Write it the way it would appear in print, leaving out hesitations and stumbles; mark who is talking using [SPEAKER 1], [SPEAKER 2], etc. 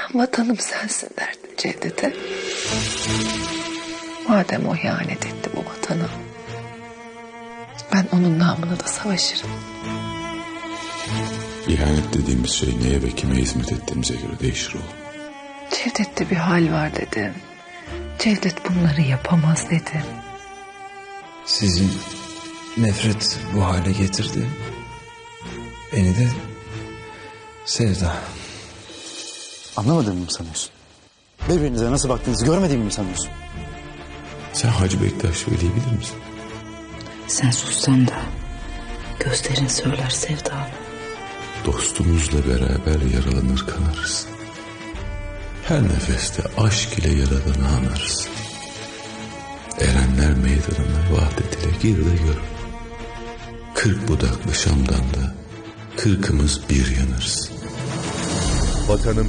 [SPEAKER 1] Vatanım sensin derdim Cevdet'e. Madem o ihanet etti bu vatana, ben onun namına da savaşırım.
[SPEAKER 2] İhanet dediğimiz şey neye ve kime hizmet ettiğimize göre değişir oğlum.
[SPEAKER 1] Cevdet'te bir hal var dedim. Cevdet bunları yapamaz dedim.
[SPEAKER 3] Sizi nefret bu hale getirdi. Beni de sevda.
[SPEAKER 4] Anlamadığımı mı sanıyorsun? Birbirinize nasıl baktığınızı görmediğimi mi sanıyorsun?
[SPEAKER 2] Sen Hacı Bektaş Veli'yi bilir misin?
[SPEAKER 5] Sen sussan da gözlerin söyler sevdamı.
[SPEAKER 2] Dostumuzla beraber yaralanır kanarız. Her nefeste aşk ile Yaradan'ı anarız. Erenler meydanına vahdet ile gir de gör. 40 budaklı Şam'dan da 40'ımız bir yanarız.
[SPEAKER 6] Vatanım